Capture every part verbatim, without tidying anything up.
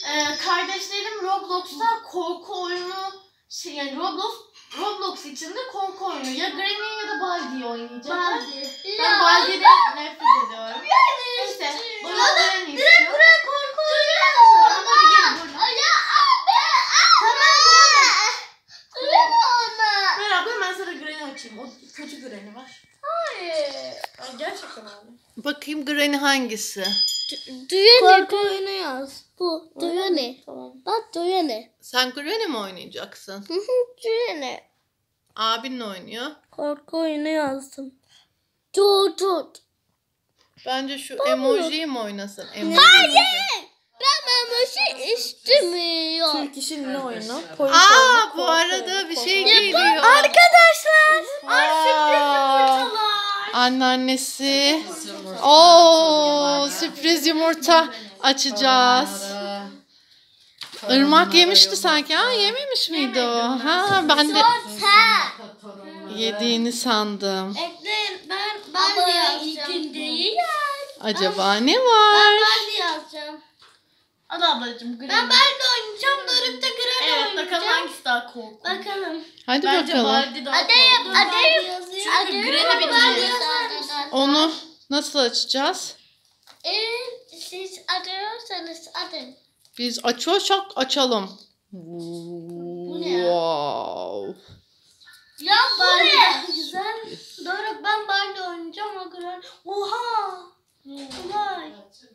Ee, kardeşlerim Roblox'ta korku oyunu şey yani Roblox Roblox içinde korku oyunu ya Granny ya da Baldi'yi oynayacaklar. Baldi. Ben Baldi'den nefret ediyorum. Neyse bunu Granny istiyor. Direkt buraya korku oyunu yazın. Ama hadi gelin buradan. Ya abi. Tamam Granny. Duyma onu. Ver abla ben sana Granny açayım. O kötü Granny var. Hayır. Ay, gerçekten abi. Bakayım Granny hangisi? Korku oyunu yaz. Bu. Duyane. Tamam. Bak Duyane. Sen Granny mi oynayacaksın? Hı hı Duyane. Abin ne oynuyor? Korku oyunu yazdım. Tut tut. Bence şu emojiyi mi oynasın? Emoji. Hayır. Ben emoji istemiyorum. Türk işin ne oyunu? Aa bu arada bir şey geliyor. Arkadaşlar. Ay sürpriz yumurtalar. Anneannesi. Oo sürpriz yumurta açacağız. Irmak yemişti sanki. Ha yememiş miydi o? Ha ben de yediğini sandım. Ekleyin ben ben de yazacağım. Değil ya. Acaba ne Ben var? ben de yazacağım. Hadi ablacığım Granny. Ben ben de oynayacağım. Doruk da Granny Evet oynayacak. bakalım hangisi daha korkunç. Bakalım. Hadi Bence bakalım. Baldi daha Adayım, korkunç. adayım. Çünkü Granny bitti. Onu nasıl açacağız? Evet, siz arıyorsanız adın. Biz açıyorsak açalım. ne ya? Wow. Ya bu ne? Güzel. Doruk ben Barbie oynayacağım o Granny. Oha. Vay.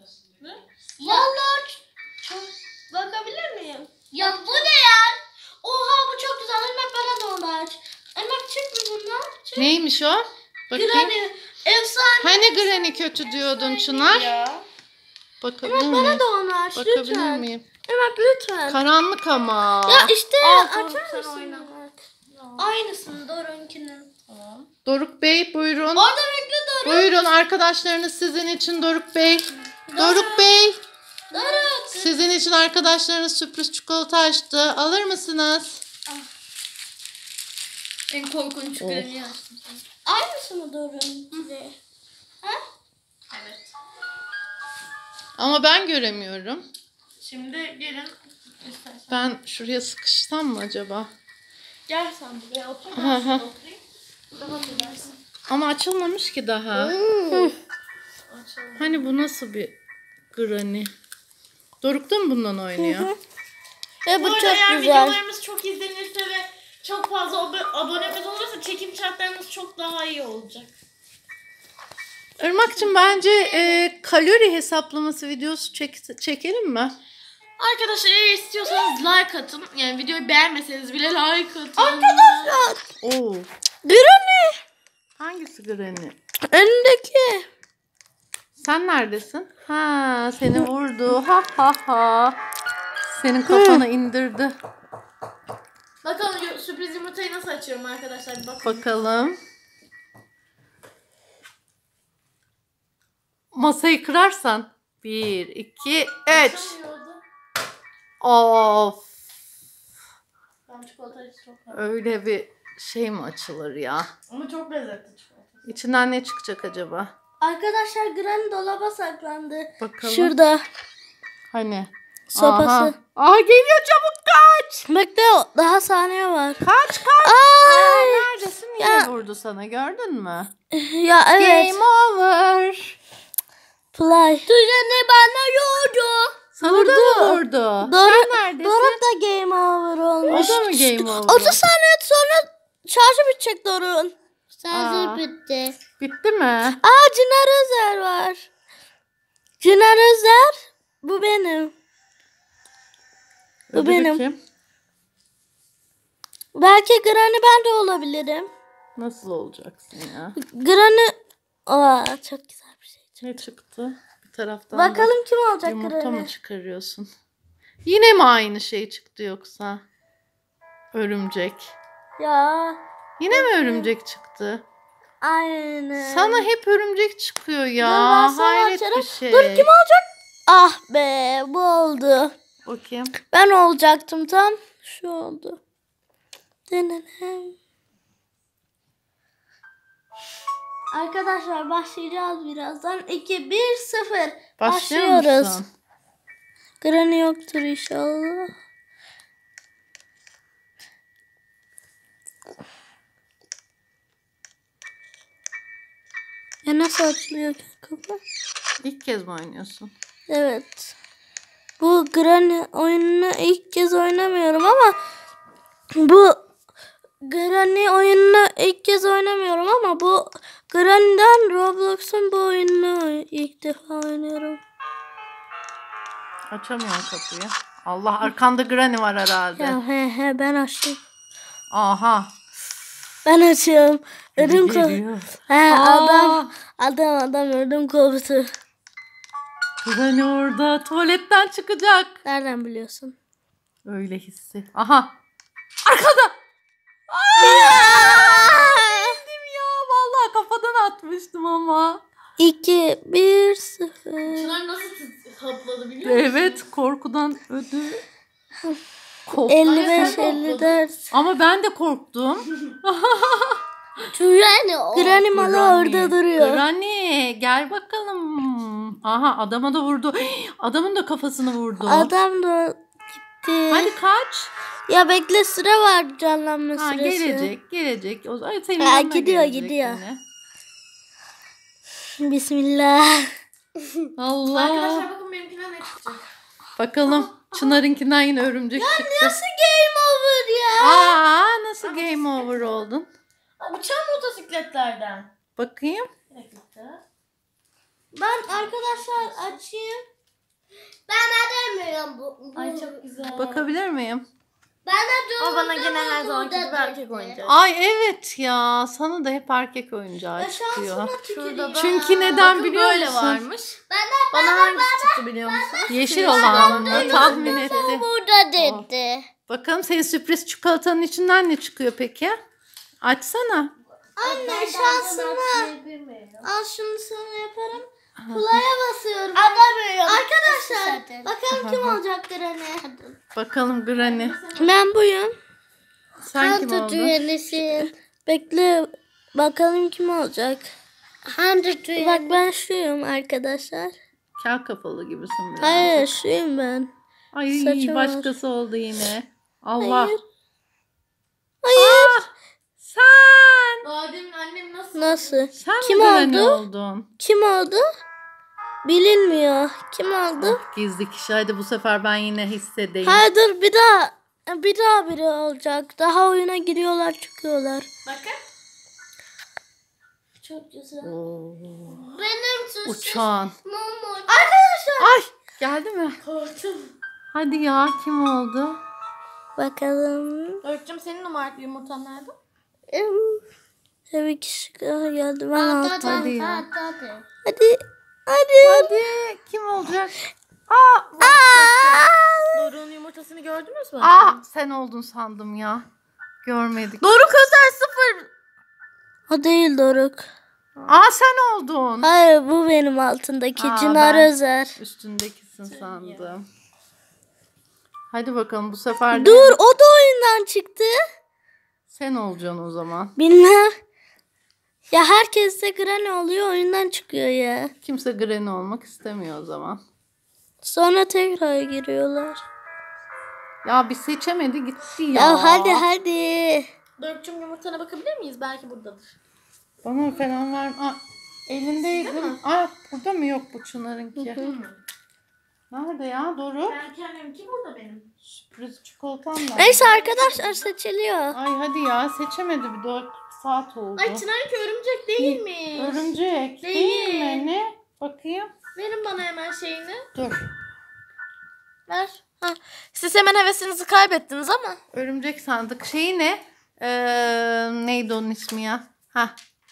Vallahi çok bakabilir miyim? Ya bu ne ya? Oha bu çok güzel. Irmak bana da onu aç. Irmak çık mı bunlar? Çık. Neymiş o? Bakayım. Granny. Efsane. Hani Granny kötü diyordun Çınar? Ya. Bakabilir Irmak miyim? bana da onu aç Bakabilir lütfen. miyim? Irmak lütfen. Karanlık ama. Ya işte Al, Doruk, açar sen mısın? oyna. Irmak? Aynısını Doruk'unkinin. Tamam. Doruk Bey buyurun. Orada bekle Doruk. Buyurun arkadaşlarınız sizin için Doruk Bey. Doruk Bey. Doruk. Sizin için arkadaşlarınız sürpriz çikolata açtı. Alır mısınız? En korkunç Oh. Granny'yi açtım. Aynısını Doruk'un. Ha? Evet. Ama ben göremiyorum. Şimdi gelin istersen. Ben şuraya sıkışsam mı acaba? Gel sen buraya otur. Hı Ben hı. şurada oturayım. Rahat edersin. Ama açılmamış ki daha. Açalım. Hani bu nasıl bir Granny? Doruk da mı bundan oynuyor? Ve Bu bu arada çok eğer güzel. videolarımız çok izlenirse ve çok fazla ab- abonemiz olursa çekim şartlarımız çok daha iyi olacak. Irmak'cığım bence e, kalori hesaplaması videosu çek, çekelim mi? Arkadaşlar eğer istiyorsanız like atın. Yani videoyu beğenmeseniz bile like atın. Arkadaşlar. Oo. Granny. Hangisi Granny? Önündeki. Sen neredesin? Ha, seni vurdu. Ha ha ha. Senin kafana indirdi. Bakalım yu- sürpriz yumurtayı nasıl açıyorum arkadaşlar. Bir bakın. Bakalım. Masayı kırarsan. Bir, iki, üç. Açamıyordu. Of. Ben çikolatayı çok seviyorum. Öyle bir şey mi açılır ya? Ama çok lezzetli çikolata. İçinden ne çıkacak acaba? Arkadaşlar Granny dolaba saklandı. Bakalım. Şurada. Hani? Sopası. Aha. Aha geliyor, çabuk kaç. Bekle daha saniye var. Kaç kaç. Ay. Neredesin? Yine Ya. vurdu sana, gördün mü? Ya evet. Game over. Play. Düzeni bana yordu. Sana da mı vurdu? Doruk, Sen neredesin? Doruk da game over olmuş. O da mı game over? otuz saniye sonra şarjı bitecek Doruk'un. Aa. Şarjı bitti. Bitti mi? Aa Çınar Özer var. Çınar Özer. Bu benim. Bu Öbürü benim. kim? Belki Granny ben de olabilirim. Nasıl olacaksın ya? Granny. Aa çok güzel bir şey. Ne çıktı? Bir taraftan Bakalım kim da olacak yumurta Granny. mı çıkarıyorsun? Yine mi aynı şey çıktı yoksa? Örümcek. Ya Yine mi örümcek çıktı? aynen. Sana hep örümcek çıkıyor ya. Dur, ben sana Hayret açarım. bir şey. Dur kim olacak? Ah be bu oldu. Bakayım. Ben olacaktım tam. Şu oldu. Denenem. Arkadaşlar başlayacağız birazdan. iki bir sıfır. Başlıyor Başlıyoruz. musun? Granny yoktur inşallah. Ya nasıl açılıyor kapı? İlk kez mi oynuyorsun? Evet. Bu Granny oyununu ilk kez oynamıyorum ama bu Granny oyununu ilk kez oynamıyorum ama bu Granny'den Roblox'un bu oyununu ilk defa oynuyorum. Açamıyorum kapıyı. Allah, arkanda Granny var herhalde. Ya he he ben açtım. Aha. Ben açıyorum. Ödüm koptu. Geliyor. He Aa. adam adam adam ödüm koptu. Granny orada tuvaletten çıkacak. Nereden biliyorsun? Öyle hissi. Aha. Arkada. Bildim ya. Vallahi kafadan atmıştım ama. iki bir sıfır. Çınar nasıl tıs- hapladı biliyor musun? Evet, korkudan ödü. Kork- elli Ay, beş sen elli dört. Ama ben de korktum. Granny Granny malı Granny, orada duruyor. Granny gel bakalım. Aha, adama da vurdu. Adamın da kafasını vurdu. Adam da gitti. Hadi kaç. Ya bekle, sıra var, canlanma Ha, süresi. gelecek gelecek. O zaman senin Ha, yanına gidiyor, gelecek gidiyor. yine. Bismillah. Allah. Arkadaşlar bakın benimkinden ne çıkacak. Bakalım. Çınar'ınkinden yine örümcek çıktı. Nasıl game over ya? Aa, nasıl game over oldun? Aa, uçan motosikletlerden. Bakayım. Bir dakika. Ben arkadaşlar açayım. Ben edemiyorum bu. bu. Ay çok güzel. Bakabilir miyim? Ben de Ama bana gene her zamanki gibi erkek oyuncak. Ay evet ya. Sana da hep erkek oyuncağı Ya çıkıyor. şansıma tüküreyim. Çünkü neden Bakın biliyor böyle musun? varmış. Ben de Bana hangisi çıktı biliyor musun? Yeşil olan mı? Tahmin etti. burada dedi. Bakalım senin sürpriz çikolatanın içinden ne çıkıyor peki? Açsana. Anne şansıma. Al şunu sana yaparım. Play'a basıyorum. Arkadaşlar bakalım kim olacak Granny. Bakalım Granny. Ben buyum. Sen kim oldun? Üyelisin. Bekle bakalım kim olacak. Bak ben şuyum arkadaşlar. Kel kafalı gibisin biraz. Hayır şuyum ben. Ay saçım var. başkası oldu yine. Allah. Hayır. Hayır. Ah, sen. Daha demin annem nasıl? Nasıl? Sen Kim mi Granny oldu? oldun? Kim oldu? Bilinmiyor. Kim oldu? Ah, gizli kişi. Hadi bu sefer ben yine hissedeyim. Hayır dur bir daha. Bir daha biri olacak. Daha oyuna giriyorlar çıkıyorlar. Bakın. Çok güzel. Oo, Benim suçum. uçağın. Arkadaşlar. Ay geldi mi? Korktum. Hadi ya, kim oldu? Bakalım. Örtüm senin numaralı yumurtan nerede? Tabii ki şıklar geldi. Ben aldım. Hadi ya. Hadi. Hadi. Hadi kim olacak? Aa, Doruk'un yumurtasını gördünüz mü? aa, sen oldun sandım ya. Görmedik. Doruk özel sıfır. O değil Doruk. Aa, sen oldun. Hayır bu benim altındaki Aa, Çınar ben- Özer. Üstündekisin sandım. Hadi bakalım bu sefer de Dur o da oyundan çıktı. sen olacaksın o zaman. Bilmem. Ya herkes de Granny oluyor oyundan çıkıyor ya. Kimse Granny olmak istemiyor o zaman. Sonra tekrar giriyorlar. Ya bir seçemedi gitti ya. Ya, hadi hadi. Doruk'cum yumurtana bakabilir miyiz? Belki buradadır. Bana falan var. Aa, elindeydi. Aa, burada mı? Yok bu Çınar'ınki. Nerede ya Doruk? Ben kendimki burada benim. Sürpriz çikolatam var. Neyse arkadaşlar seçiliyor. Ay hadi ya, seçemedi, bir dört saat oldu. Ay Çınar'ınki örümcek değil mi? Örümcek değil, Değil. mi? Ne? Bakayım. Verin bana hemen şeyini. Dur. Ver. Ha. Siz hemen hevesinizi kaybettiniz ama. Örümcek sandık. Şeyi ne? Ee, neydi onun ismi ya? Ha.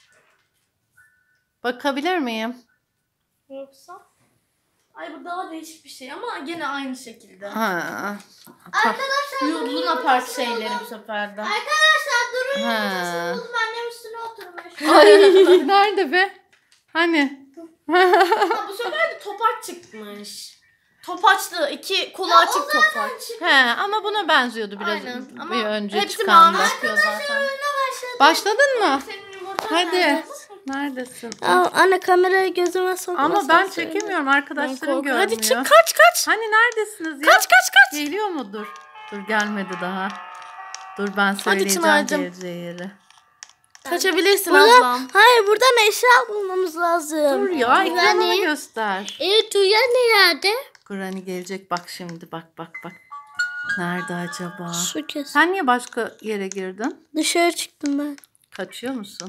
Bakabilir miyim? Yoksa? Ay bu daha değişik bir şey ama gene aynı şekilde. Ha. Arkadaşlar Luna Park şeyleri bu sefer de. Arkadaşlar durun. Ha. Buldum annem üstüne oturmuş. Ay, nerede be? Hani? Ha, bu sefer de topaç çıkmış. Topaçlı iki kolu açık topaç. He, ama buna benziyordu biraz Aynen. Ama bir önce hepsi çıkan mavi da. çıkıyor zaten. Başladın mı? Senin yumurtan Hadi. nerede? Neredesin? Aa, anne kamerayı gözüme sokma. Ama ben çekemiyorum. Arkadaşlarım görmüyor. Hadi çık kaç kaç. Hani neredesiniz ya? Kaç kaç kaç. Geliyor mudur? Dur gelmedi daha. Dur ben Hadi söyleyeceğim Çınar'cığım. geleceği yeri. Kaçabilirsin Burada, ablam. hayır buradan eşya bulmamız lazım. Dur ya ekranını Granny. göster. Evet Tuya nerede? Granny gelecek bak şimdi bak bak bak. Nerede acaba? Su kes. Sen niye başka yere girdin? Dışarı çıktım ben. Kaçıyor musun?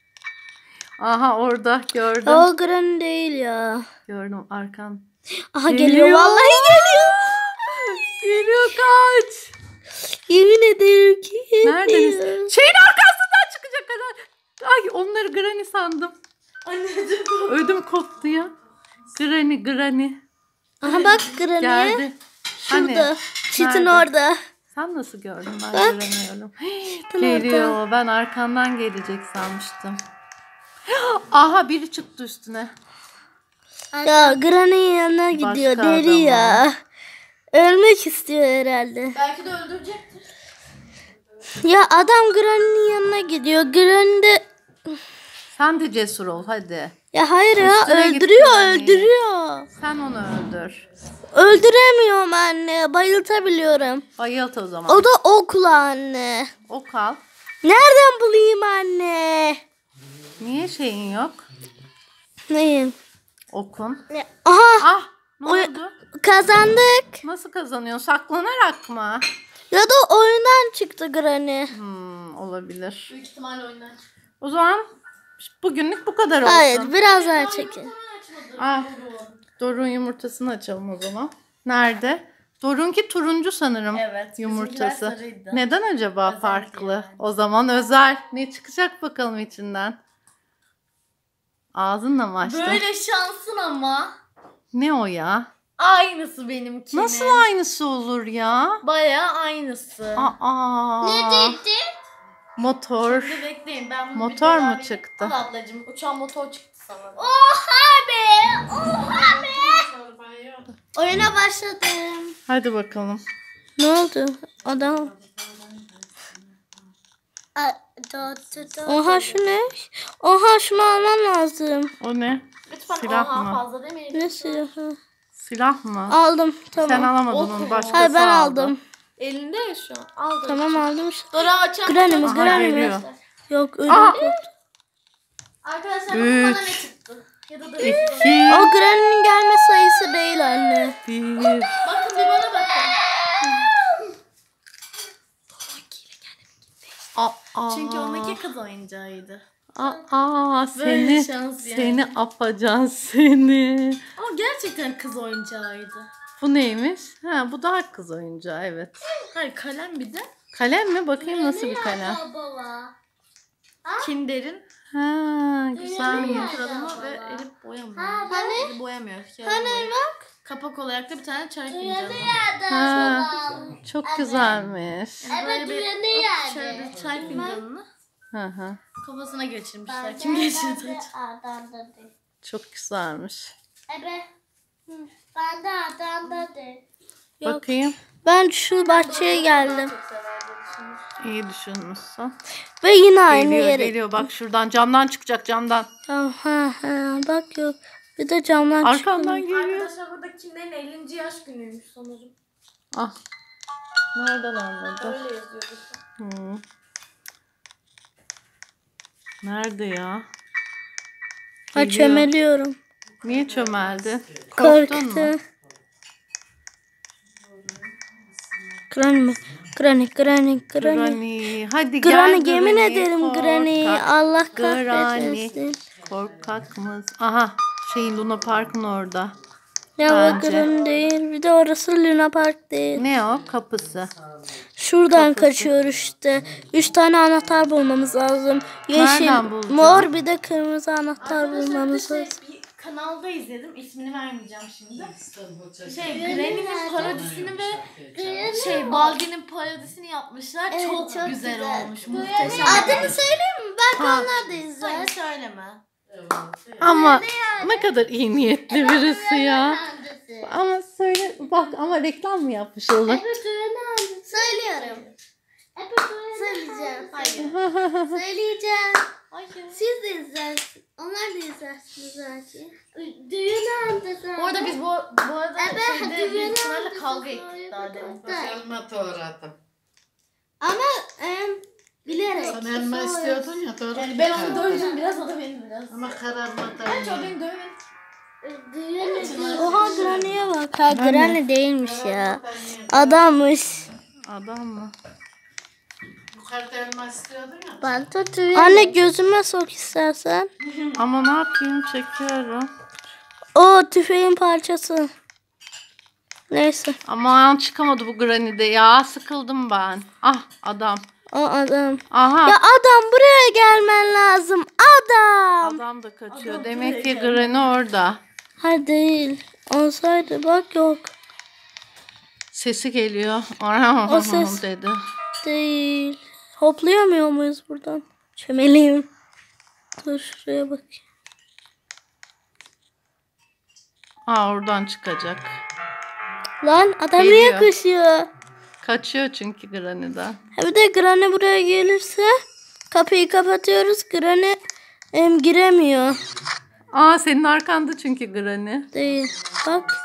Aha orada gördüm. O Granny değil ya. Gördüm arkan. Aha Geliyor. geliyor, vallahi geliyor. Geliyor kaç. Yemin ederim ki geliyor. Neredeniz? Şeyin arkasından çıkacak kadar. Ay onları Granny sandım. Anneciğim. Ödüm koptu ya. Granny Granny. Aha bak Granny. Geldi. Şurada. Hani? Çitin Nerede? orada. Sen nasıl gördün? Ben Bak. göremiyorum. Çitin Geliyor. Ben arkandan gelecek sanmıştım. Aha biri çıktı üstüne. Ya Granny'nin yanına gidiyor. Başka Deli adam ya. Ölmek istiyor herhalde. Belki de öldürecektir. Ya adam Granny'nin yanına gidiyor. Granny de... Sen de cesur ol hadi. Ya hayır ya, Üstüne git öldürüyor Granny'yi. öldürüyor. Sen onu öldür. Öldüremiyorum anne. Bayıltabiliyorum. Bayılt o zaman. O da okla anne. Ok al. Nereden bulayım anne? Niye şeyin yok? Neyim? Okun. Aha Ah ne Oy- oldu? kazandık. Nasıl kazanıyorsun? Saklanarak mı? Ya da oyundan çıktı Granny. Hmm, olabilir. Büyük ihtimalle oyundan. O zaman bugünlük bu kadar olsun. Hayır biraz daha çekin. Ah, Doruk'un yumurtasını açalım o zaman. Nerede? Doruk'unki turuncu sanırım Evet, yumurtası. bizimkiler sarıydı. Neden acaba Özel farklı? yani. O zaman özel. Ne çıkacak bakalım içinden? Ağzınla mı açtın? Böyle şansın ama. Ne o ya? Aynısı benimkinin. Nasıl aynısı olur ya? Bayağı aynısı. Aa. Motor. Dur bekleyin ben bunu Motor bir daha mu bir- çıktı? Al ablacığım uçan motor çıktı sana. Oha be! Oha be! Oyuna başladım. Hadi bakalım. Ne oldu? Adam. Oha şu ne? Oha şunu almam lazım. O ne? Lütfen Silah oha mı? fazla demeyin. Ne silahı? Silah mı? Aldım tamam. Sen alamadın Ok onu. mu? Başkası Hayır ben aldı. aldım. Elinde ya şu an. Al da. Tamam aldım işte. Dora açan Granny mi? motor. Aha, Granny mi? geliyor. Yok ödüm Aha. koptu. Arkadaşlar bakın Üç. bana ne çıktı. Ya da dur. İki. O Granny'nin gelme sayısı değil anne. Bir. Bakın bir bana bakın. Aa. Çünkü ondaki kız oyuncağıydı. Aa Böyle seni şans yani. seni apacan seni. Ama gerçekten kız oyuncağıydı. Bu neymiş? Ha bu daha kız oyuncağı evet. Hayır kalem bir de. Kalem mi? Bakayım nasıl bir kalem. Kinder'in Ha güzelmiş. kralama ve Elif boyamıyor. hani? Elif boyamıyor. Hani bak. Kapak olarak da bir tane çay fincanı. Ha, çok güzelmiş. Yani böyle bir şöyle bir çay fincanını Hı hı. kafasına geçirmişler. Kim geçirdi? Çok güzelmiş. Ben de adamda de. Bakayım. Ben şu bahçeye geldim. Çok sever diye düşünmüştüm. İyi düşünmüşsün. Ve yine aynı Geliyor yere. geliyor bak şuradan camdan çıkacak camdan. Tamam, ha, ha, bak yok. Bir de camdan Arkandan çıkıyor. geliyor. Arkadaşlar burada Kinder'in ellinci yaş günüymüş sanırım. Ah. Nereden anladın? Öyle yazıyor burada. Hmm. Nerede ya? Ha, Geliyor. çömeliyorum. Niye çömeldi? Korktun mu? Korktu. Granny mi? Granny, Granny, Granny. Granny. Hadi Granny, gel yemin Granny. ederim Korkak. Granny. Allah Granny. kahretsin. Korkak mız? Aha. Şeyin Luna Park'ın orada. Ya o Bence. Granny değil. Bir de orası Luna Park değil. Ne o? Kapısı. Şuradan kaçıyoruz işte. Üç tane anahtar bulmamız lazım. Yeşil, Nereden bulacağız? mor bir de kırmızı anahtar Arkadaşlar bulmamız bir, lazım. şey, bir kanalda izledim. İsmini vermeyeceğim şimdi. Şey Granny'nin parodisini ve şey Baldi'nin parodisini yapmışlar. çok, güzel, olmuş. Muhteşem. Adını söyleyeyim mi? Belki Ha. onlar da izler. Hayır söyleme. Ama ne kadar iyi niyetli birisi ya. Ama söyle bak ama reklam mı yapmış olur? Söylüyorum. Söyleyeceğim. Hayır. Söyleyeceğim. Hayır. Siz de izlersiniz. Onlar da izlersiniz belki. Düğün anda zaten. Bu arada biz bu, bu arada Evet, şeyde düğün büyük ihtimalle anda kavga sonra ettik daha demin. yapacağız. Elma doğradım. Ama em, bilerek. Sen elma istiyordun ya doğru. Yani ben onu dövdüm biraz, o da beni biraz. Ama kararmadan Bence o ya. beni dövün. Düğün Oha Granny'e bak. Ha Granny değilmiş ya. Adammış. Adam mı? Yukarıda elma istiyordun ya. Ben de Anne gözüme sok istersen. Ama ne yapayım, çekiyorum. O tüfeğin parçası. Neyse. Aman çıkamadı bu Granny'de ya. Sıkıldım ben. Ah adam. O adam. Aha. Ya adam buraya gelmen lazım. Adam. Adam da kaçıyor. Adam Demek buraya ki geldi. Granny orada. Hayır değil. Olsaydı bak yok. Sesi geliyor. O ses- dedi. Değil. Hoplayamıyor muyuz buradan? Çömeleyim. Dur şuraya bak. Aa oradan çıkacak. Lan adam Geliyor. niye koşuyor? Kaçıyor çünkü Granny'den. Bir de Granny buraya gelirse kapıyı kapatıyoruz. Granny em, giremiyor. Aa senin arkanda çünkü Granny. Değil. Bak.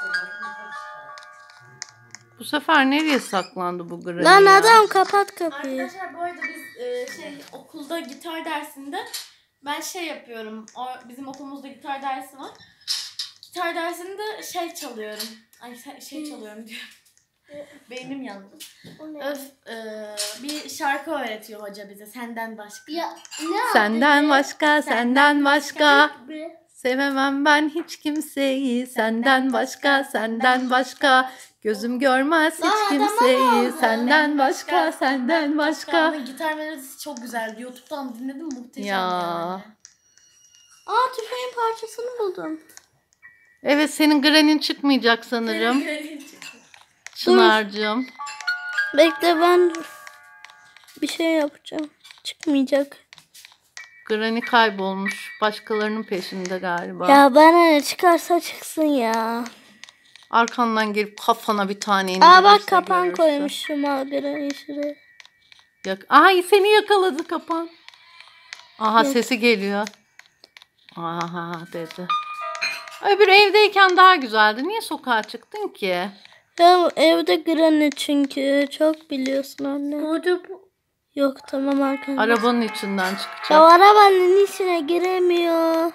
Bu sefer nereye saklandı bu Granny Lan ya? adam kapat kapıyı. Arkadaşlar bu arada biz e, şey okulda gitar dersinde ben şey yapıyorum. O, bizim okulumuzda gitar dersi var. Gitar dersinde şey çalıyorum. Ay şey- şey çalıyorum diyorum. Beynim yandı. Öf, e, bir şarkı öğretiyor hoca bize senden başka. Ya ne Senden başka, senden başka. başka. Sevemem ben hiç kimseyi. Senden başka, senden başka. Gözüm görmez Lan hiç adama ne kimseyi. oldu? Senden başka, senden başka. Onun gitar melodisi çok güzeldi. YouTube'dan dinledim, muhteşem Ya. yani. Aa tüfeğin parçasını buldum. Evet senin Granny'n çıkmayacak sanırım. Çınar'cığım. Bekle ben bir şey yapacağım. Çıkmayacak. Granny kaybolmuş. Başkalarının peşinde galiba. Ya bana ne çıkarsa çıksın ya. Arkandan gelip kafana bir tane indirirse Aa bak kapan görürsün. koymuşum Granny şuraya. Yak Ay seni yakaladı kapan. Aha Yok. sesi geliyor. Aha dedi. Öbür evdeyken daha güzeldi. Niye sokağa çıktın ki? Ya evde Granny çünkü çok biliyorsun anne. Burada bu. Yok tamam arkadaşlar. Arabanın içinden çıkacak. Ya arabanın içine giremiyor.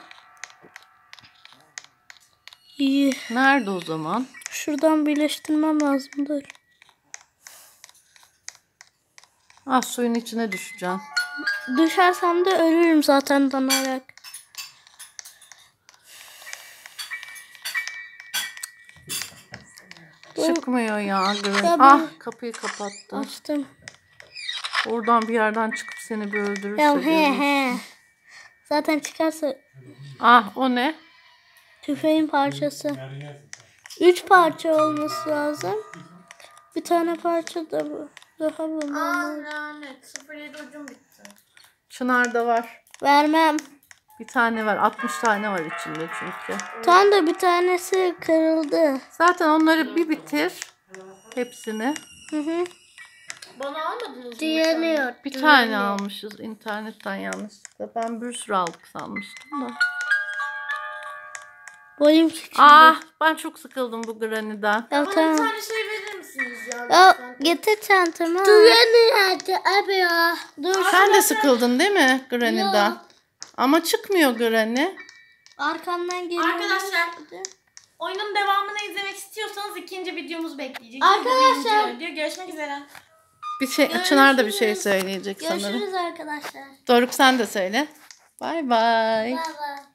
İyi. Nerede o zaman? Şuradan birleştirmem lazım dur. Ah suyun içine düşeceksin. Düşersem de ölürüm zaten danarak. Çıkmıyor ya Granny. Ya Ah ben- kapıyı kapattı. Açtım. Oradan bir yerden çıkıp seni bir öldürürse. Ya he görürsün. he. Zaten çıkarsa Ah o ne? tüfeğin parçası. Üç parça olması lazım. Bir tane parça da bu. Daha bulmam lazım. lanet. sıfır yedi ucum bitti. Çınar'da var. Vermem. Bir tane var. altmış tane var içinde çünkü. Tam da bir tanesi kırıldı. Zaten onları bir bitir. Hepsini. Hı hı. Bana almadınız mı? Diğerliyor. Bir tane almışız internetten yanlışlıkla. Ben bir sürü aldık sanmıştım da. Boyum küçüldü. Ah ben çok sıkıldım bu Granny'den. Ya Bana bir tamam. tane şey verir misiniz ya? Ya lütfen? getir çantamı. Düğeni abi ya. Dur. Sen de sıkıldın değil mi Granny'den? Yok. Ama çıkmıyor Granny. Arkamdan geliyor. Arkadaşlar, oyunun devamını izlemek istiyorsanız ikinci videomuzu bekleyeceksiniz. Arkadaşlar. Birinci video. Görüşmek üzere. Bir şey, Çınar da bir şey söyleyecek sanırım. Görüşürüz arkadaşlar. Doruk sen de söyle. Bay bay. Bye bye.